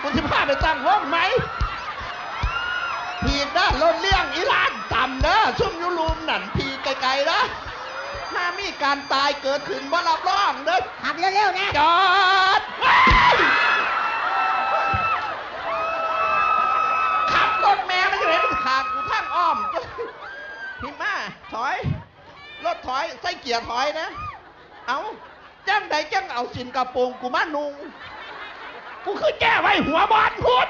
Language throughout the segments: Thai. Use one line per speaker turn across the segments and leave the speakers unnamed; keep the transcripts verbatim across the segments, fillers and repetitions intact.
กูจะพาไปตั้งวงไหมพีนะรถเลี้ยงอีหลานต่ำนะซุ่มยูรูมนั่นพีไกลๆนะถ้ามีการตายเกิดขึ้นบ่รับรองเด้อ
ขับเร็วๆนะ
จอดขับรถแม่ไม่เห็นขาดกูทางอ้อมพี่มาถอยรถถอยใส่เกียร์ถอยนะเอาจังใดจังเอาสินกระโปรงกูมานุงกูคือแก้ไว้หัวบอลพุ่น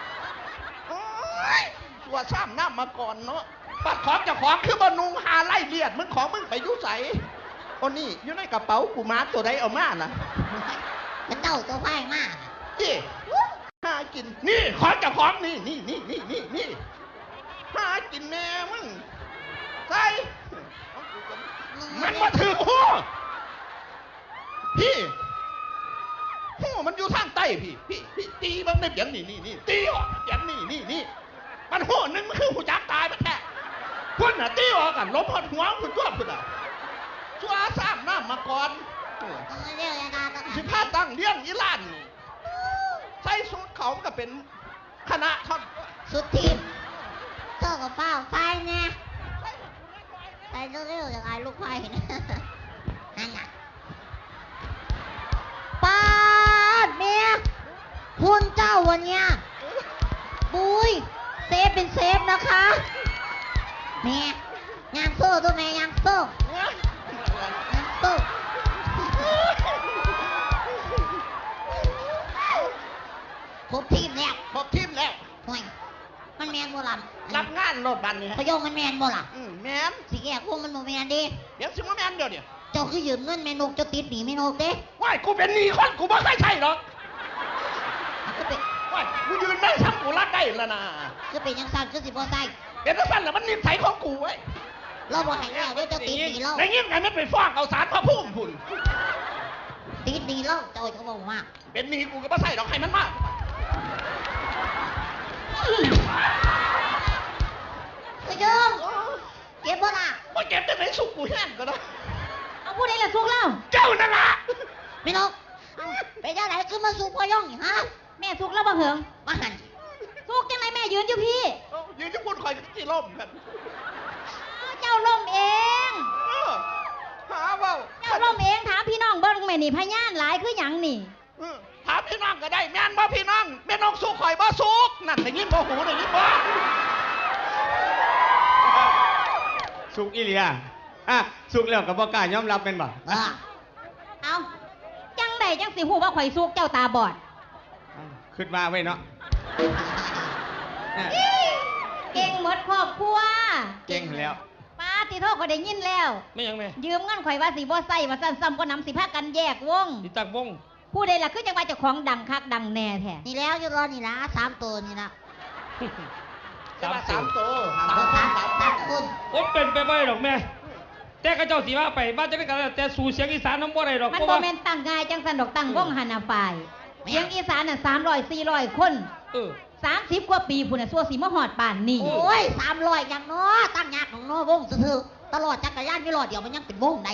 ตัวซ้ำน้ำมาก่อนเนาะปัดของเจ้าของคือบอนุงหาไล่เลียดมึงของมึงไปยุ่ใสโอ้นี่อยู่ในกระเป๋ากูมาตัวใดเอามาน่ะ
เป็นเต้าตัวไฟมาก
นี่หากินนี่ของเจ้าของนี่นี่นี่นี่นี่นี่หากินแม่มึงใส่มันมาถือหัวพี่หัวมันอยู่ทางใต้พี่พี่พี่ตีมันได้เปียงนี่นี่นี่ตีออกเปียงนี่นี่นี่มันหัวนึงมันคือหูจักตายมันแท้พุ่นน่ะตีออกกันล้มหัวหัวพุ่นตัวพุ่นอ่ะชัวซ้ำน้ำมาก่อนสิพาตั้งเลี้ยงอีหลานใส่สูตรเขาก็เป็นคณะท่อน
สุดทีมเจ้ากับเป้าไฟเนี่ยไปเร็วๆอย่างไรลูกไฟนั่นน่ะป้าเมียคุณเจ้าวันเนี้ยบุยเซฟเป็นเซฟนะคะแม่ยางโซ่ตัวแม่ยางโซ่ยางโซ่ครบทีมแล้ว
ครบทีมแล้ว
ห่วยมันแมนโบราณ
รับงานรถบันนี่
พยงมันแมนโบราณ
อืมแมน
สิแกพวกมันโมแมนดิ
เดี๋ยวสิโมแมนเดี๋ยวเนี่ย
เจ้าคือยืมเงินแม่นกเจ้าติดหนีแม่นกเด้
ว้ายกูเป็นหนี้คนกูไม่เคยใช่หรอกว้ายกูยืนได้ทำกูรักได้แล้วนะ
คือเป็นยังสั่นคือสิบ่ใส่
เป็นยังสั่นแหละมันนิสัยของกูไว้
เราบ่ให้แล้วเดี๋ยวเจ้าติดหนีเรา
ในเงี้ยไงไม่ไปฟ้องเอาสารพระพุ่มพุ่น
ติดหนีเราเจ้าเขาบอกว่า
เป็นหนี้กูก็ไม่ใช่หรอกให้มันมาก
ก็ยงเก็บบ่ล่ะ
บ่เก็บแต่ไหนสุกกูแห้งก็ได้
เอาพูดได้ละสุกแล้ว
เจ้านั่นล่ะ
แม่นกไปเจ้าไหนคือมาสุกพ่อย่องฮะแม่สุกแล้วบ่เหิงมาหันสุกจังไรแม่ยืนอยู่พี่
ยืนอยู่พูดคอยที่ล่มกัน
เจ้าล่มเอง
หาเปล่า
เจ้าล่มเองถามพี่น้องเบิ้งแม่นี่พยานหลายคือหยังนี่
ถามพี่น้องก็ได้แม่นบ่พี่น้องแม่น้องสุกคอยบ่สุกนั่นได้ยินบ่หูได้ยินบ่
สุกอีเลียอ่ะสุกแล้วกับบ่กล้ายอมรับเป็นบ่
เอาจังใดจังสิฮู้ว่าข่อยสุกเจ้าตาบอด
ขึ้นมาไว้เนาะ
เก่งหมดครอบครัว
เก่งแล้ว
ป้าติโทษก็ได้ยินแล้ว
ไม่ยังแม่
ยืมเงินข่อยว่าสิบ่ใส่ว่าซั่นซ้ำก็นำสิพากันแยกวง
สิตักวง
ผู้ใดล่ะคือจังว่าเจ้าของดังคักดังแน่แท้นี่แล้วอยู่รอนี่ล่ะสามตัวนี่ล่ะ
สามสามตัว
สามสามสามคน
โอ้เป็นไปไม่หรอกแม่แต่กระเจ้าสีว่าไปบ้านจะได้กันแต่สู่เสียงอีสานน้ำบ่ได้หรอก
มันบ่แม่นตั้งง่ายจังสันดอกตั้งวงหันหน้าฝ่ายเสียงอีสานน่ะสามร้อยสี่ร้อยคน
เออ
สามสิบกว่าปีพุ่นน่ะซัวสิมาฮอดป่านนี้โอ้ยสามร้อยอย่างน้อตั้งยากของน้อวงซื่อๆตลอดจักรยานมีรอดเดียวมันยังเป็นวงได้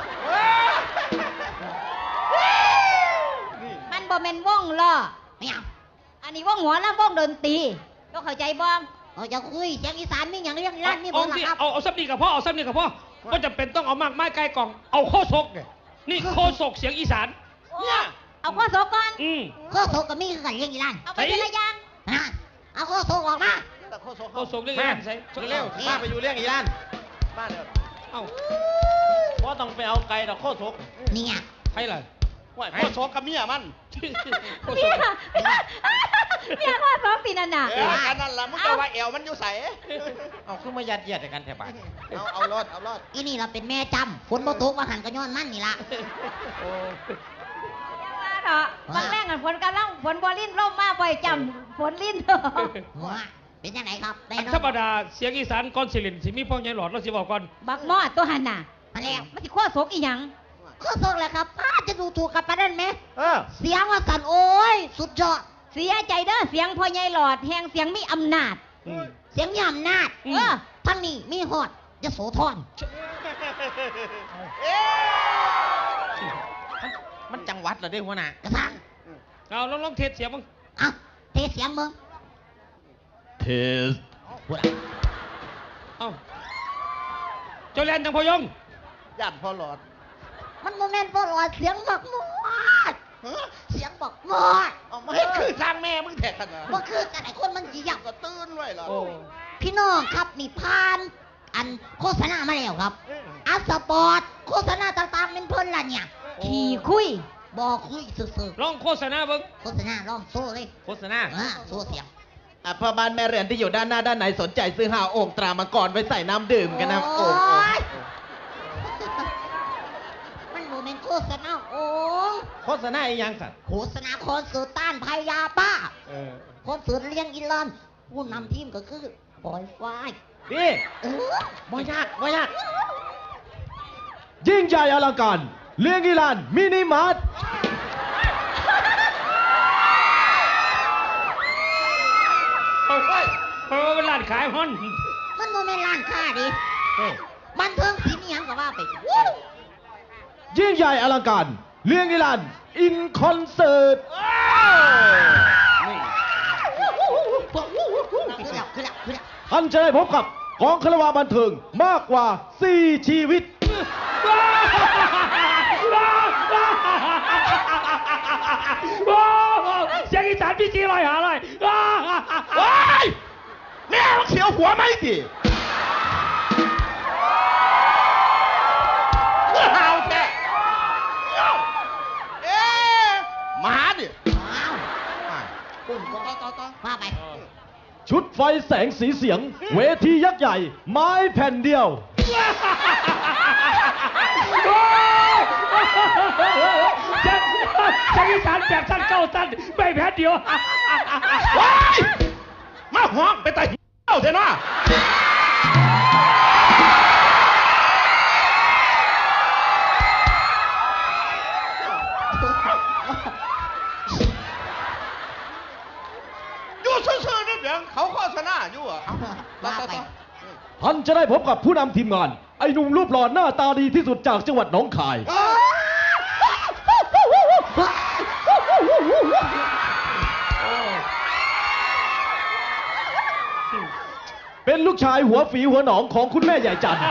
มันบ่แม่นวงล้อไม่เอาอันนี้วงหัวแล้ววงดนตรีก็เข้าใจบ่เออจะคุยเสียงอีสานมีอย่างเรื่องร้านนี่บ่ล่ะครับ
เอาเอาซับนี่กับพ่อเอาซับนี่กับพ่อก็จะเป็นต้องเอามากไม้ไกลกล่องเอาโคศกเนี่ยนี่โคศกเสียงอีสาน
เนี่ยเอาโคศกก่อน
อืม
โคศกก็มีคือกันเรื่องอีร้านเอาไปเป็นระยางนะเอาโคศกออกมา
โคศกเรื่องอีร้านใช่
เร็วมาไปอยู่เรื่องอีร้าน
มาเดี๋ยว
เอ้า
เพราะต้องไปเอาไก่ดอกโคศก
นี่ไง
ใครล่ะ
ว่าโคศกกับเมียมัน
เมียเมียโคศกปีนั่นน่ะ
เออกันนั่นล่ะมึงจะว่าแอวมันอยู่ใส
เอาคือมายัดเยียดกันแถบบ้าน
เอาเอารอดเอารอด
อีนี่เราเป็นแม่จำฝนบ่ตกว่าหันก็ย้อนมันนี่ล่ะ
โอ้
ว่าเถอะบางแม่งฝนกำลังฝนบ่ลิ้นร่มมาบ่อยจำฝนลิ้นเป็นยังไงครับ
ธรรมดาเสียงอีสานก้อนสิรินสิมีพ่อใหญ่หลอดเราสิบอกก่อน
บักมอดตัวหันน่ะมาแล้วมันสิโคศกอีหยังโคศกแหละครับป้าจะดูถูกกับปานนั้นไหม
เออ
เสียงว่าสั่นโอ้ยสุดยอดเสียใจเด้อเสียงพ่อใหญ่หลอดแห่งเสียงมีอำนาจเสียงมีอำนาจเออทั้งนี้มีฮอดยโสธร
มันจังหวัดเหรอเด้หัวหน้าก
ระซัง
เอาลองลองเทสเสียงมึง
อ่ะเทเสียงมึง
เทส
พูด
เอ้าเจ้าแลนจังพอยง
ย่านพอหลอด
มันโมเมนต์พอหลอดเสียงบักมอด
ฮะ
เสียงบักมอด
เอามาให้คือทางแม่มึงแทกขนาด
บ่คือกันไอ้คนมันสิอยาก
ก็ตื่นไว้ล่ะ
โอ้
พี่น้องครับนี่ผ่านอันโฆษณามาแล้วครับอัสสปอร์ตโฆษณาต่างๆเป็นเพิ่นล่ะเนี่ยขี่คุยบ่คุยซื่อ
ลองโฆษณาเบิ่ง
ๆโฆษณาลองโซ่เลย
โฆษณา
อ่าโซ่เสียง
อ่ะพ่อบ้านแม่เรือนที่อยู่ด้านหน้าด้านไหนสนใจซื้อหาโอ่งตรามังกรไว้ใส่น้ำดื่มกันนะ
โอ้
โอ่งโอ่ง
ยมันโมเมนต์โฆษณาโอ้ง
โฆษณาอีหยังสัตว์
โฆษณาคอนเสิร์ตต้านภัยยาบ้า
เออ
คอนเสิร์ตเลี้ยงอินลันผู้นำทีมก็คือปอยไฟ
นี่
เออ
บ่ยากบ่ยาก
ยิ่งใหญ่อลังการเลี้ยงอีลานมินิมาร์ท
เฮ้ยเพราะว่าเป็นร้านขายฮอน
มันโมเมนต์ร้านค้าดิ
เฮ้ย
บันเทิงศิลป์อิหยังก็ว่าไป
ยิ่งใหญ่อลังการเลี้ยงอีลานอินคอนเสิร์ต
นี่
คือแล้วคือแล้วคือแล้ว
ท่านจะได้พบกับกองคารวะบันเทิงมากกว่าสี่ชีวิต
เสียงอีสานพี่จีลอยหาเลย
ว้ายแม่มึงเขียวหัวไหมดิเมื่อหาวแท้เอ๊ะหมาดิ
อ้าว
ปุ่นต่อต่อต่อ
ว่าไป
ชุดไฟแสงสีเสียง เวทียักษ์ใหญ่ ไม้แผ่นเดียว
เสียงเสียงอีสานแปดสั้นเก้าสั้นไม่แพ้เดียว
ว้ายมาหอกไปแต่เอ้าเถอะนะอยู่ซื่อๆนี่เพียงเขาโฆษณาอยู่อ่ะ
ว่าไป
ท่านจะได้พบกับผู้นำทีมงาน ไอ้หนุ่มรูปหล่อหน้าตาดีที่สุดจากจังหวัดหนองคาย เป็นลูกชายหัวฝีหัวหนองของคุณแม่ใหญ่จันทร์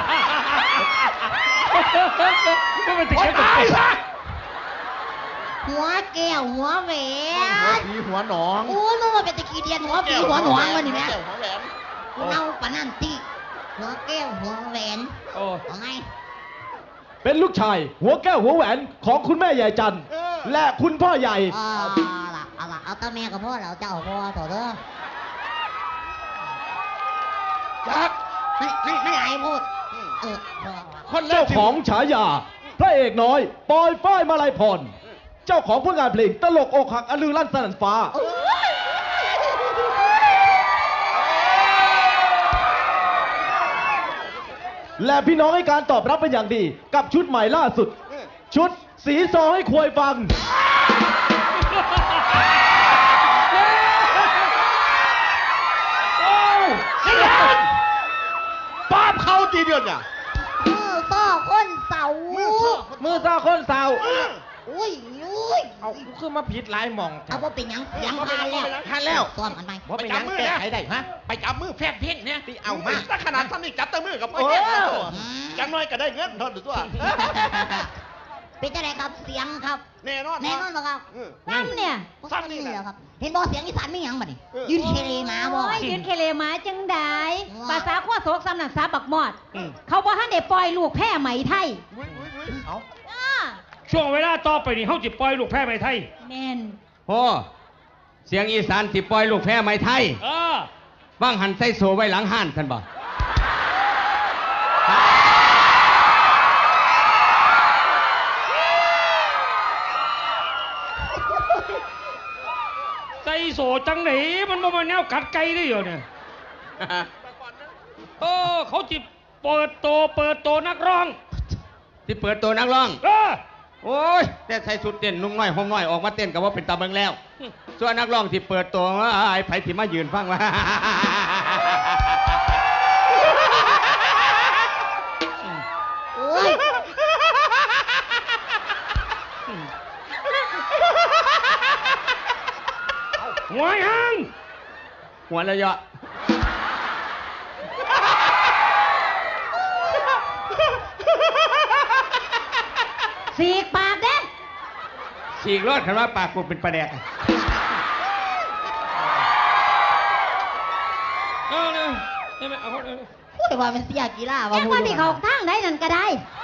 ก็เป็นติด
โอ๊ย
กัน
ตายซะ
หัวแก้วหัวแหว
หัวน ผีหัวหนอง
โอ้ยมึงมาเป็นตะกี้เดียนหัวปีหัวหนวงวะนี่แม่
แก้วหัวแหวน
เอาปะนั่นตีหัวแก้วหัวแหวน
โอ้
เอาไง
เป็นลูกชายหัวแก้วหัวแหวนของคุณแม่ใหญ่จันทร์และคุณพ่อใหญ่
เอาล่ะเอาล่ะเอาตาแม่กับพ่อแล้วเจ้าพ่อต่อเด้อ
จัก
ไม่ไม่ไม่ไหลพูดเออพ่อ
คนแร
เจ้าก
ที่
ของฉายา พระเอกน้อย ปอยฝ้ายมาลัยพร เจ้าของผลงานเพลงตลกอกหักอลือลั่นสนั่นฟ้า และพี่น้องให้การตอบรับเป็นอย่างดี กับชุดใหม่ล่าสุด ชุดสีซอให้ควายฟัง
นี่ไงป้าบเขาทีเดียวเนี่ย
มือซ้อคนเสา
มือซ้อ
มือซาคนสาว
อุ้ยอุ้ย
เอากูคือมาผิดหลายหม่อง
เอาว่าเป็นหยังเสียงพานแล้ว
ทันแล้ว
ซ้อมกันไป
ว่าเป็นหยังแก้ไขได้ฮะ
ไปจับมือแฟนเพ่งเนี่ย
ที่เอามา
ถ้าขนาดทำนี่จับแตะมือกับพ่อ
โอ้
แก่ตัวจังน้อยก็ได้เงินเท่าตัว
เป็นจะไรครับเสียงครับ
แน่นอน
แน่นอนเหรอครับ
เออ
ซ้ำเนี่ย
ซ้ำนี่
นี่
แหละ
เหรอครับ เห็นบอเสียงอีสานไม่หยังบัดนี่
เออ
ยืนเคเลมาบ่
โอ้ยยืนเคเลหมาจังได
ว้า
ภาษาขั้วโศกซ้ำนันซาบักมอด
อืม
เขาบอกให้เด็ปล่อยลูกแพร่ไหมไทย
วุ้ยวุ้ยวุ้ย
เอา
อ้า
ช่วงเวลาต่อไปนี่เขาจิปล่อยลูกแพ้ไหมไทย
แมน
พ่อเสียงอีสานสิปล่อยลูกแพ้ไม้ไทย
เออ
บ้างหันใส่โซไว้หลังห้านท่านบอก
ใจโสจังไหนมันบ่มาแนวกัดไก่ได้เหรอเนี่ยเออเขาจิเปิดโตเปิดโตนักร้อง
ที่เปิดตัวนักร้อง
เออ
โอ้ยแต่ใส่สุดเต้นนุ่งน้อยห่มน้อยออกมาเต้นกับว่าเป็นตาเบิงแล้ว ส่วนนักร้องที่เปิดตัวว่าไอ้ไผที่มายืนฟังว่า
โอ้ย
หัวยัง
หัวระยะ
สีกปากเด้
ฉีกรอดคันว่าปากกูเป็นปลาแดก
เอาเลยเอาเลยเอาเลย
พูดว่ามันเสียกีฬาว่า
แจ้งว่าที่เขาทางไหนนั่นก็ได้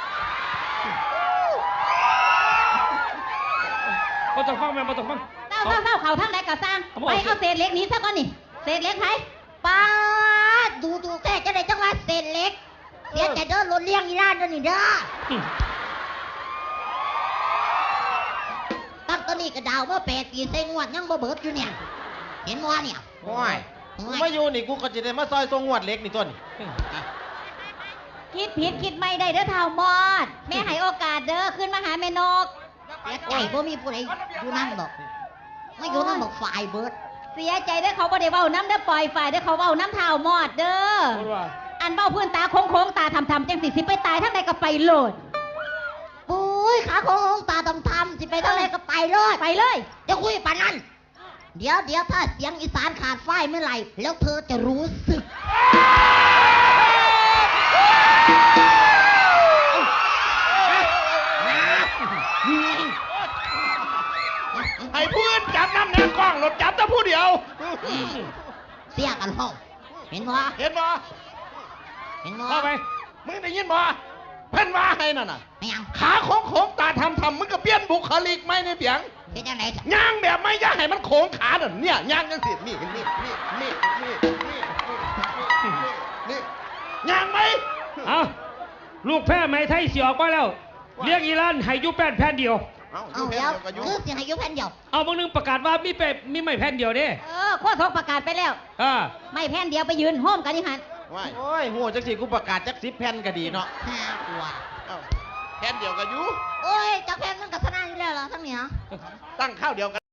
บ่ต้องฟังแม่บ่ต้องฟัง
เศร้าเศร้าเศร้าเขาทางไหนก็สร้าง
เอาบ่
ไป
เอา
เอาเศษเหล็กหนี้ซะก่อนนี่ เศษเหล็กไผ
ป้าดดูดูแค่จะได้จังหวะเศษเล็กเสียใจเด้อรถเลี้ยงอีร้านเด้อนี่เด้อตั้งแตัวนี้ก็ดาวเมื่อแปดปีใส่งวดยังบ่เบิดอยู่เนี่ย เห็นว่าเนี่ย
โอ้ยกูมาอยู่นี่กูก็จะได้มาซอยทรงงวดเล็กนี่ต้น
คิดผิดคิดไม่ได้เด้อเท่ามอด แม่ให้โอกาสเด้อขึ้นมาหาแม่นก
เสียใจบ่มีผู้ใดอยู่นั่นดอกไม่อยู่นั่นบอกฝ่ายเบิด
เสียใจเด้อเขาบ่ได้เว้าน้ำเด้อปล่อยฝ่ายเด้อเขาเว้าน้ำเท่ามอดเด้อ
พูดว่า
อันเบ้าพื้นตาโค้งๆตาทำๆจังสิสิไปตายทั้งใดก็ไปโลด
ปุ้ยขาโค้งๆตาทำๆสิไปทางไหนก็ไปเลย
ไปเลย
จะคุยปานนั้น เดี๋ยวเดี๋ยวถ้าเสียงอีสานขาดไฟเมื่อไหร่ แล้วเธอจะรู้สึก
ให้เพื่อนจับน้ำแนวกล้องรถจับแต่ผู้เดียว
เสียกันห้องเห็นบ่
เห็นบ่
เห็นบ่
เข้าไป
มึงได้ยินบ่เพิ่นว่าให้นั่นน่ะ
ไม่ยัง
ขาโค้งๆตาทำทำมึงก็เปลี่ยนบุคลิกไหมในเปียง
เป็นยังไงจ้ะ
ย่างแบบไม่ย่างให้มันโค้งขาน่ะเนี่ยย่างจังสินี่นี่นี่นี่นี่นี่นี่ย่างไหม
เอาลูกแพ้ไหมไทยเสียออกมาแล้ว เรียกอีรันให้อยุแป้นแผ่นเดียว
เอา
เอาเดี๋ยวคือเสียงอายุแผ่นเดียว
เอาบางนึงประกาศว่ามีแปมีไม่แผ่นเดียวเด้
เออโคตรประกาศไปแล้ว
อ่า
ไม่แผ่นเดียวไปยืนโฮมกันนี่หัน
ว่า
โอ้ยโหจักสิกูประกาศจักสิบแผ่นก็ดีเนาะ
ห้ากว่า
เอาแค่เดียวกับยู
โอ้ยจากแผ่นมันกับธนาอยู่แล้วเหรอทั้งนี้เหรอ
ตั้งข้าวเดียวกัน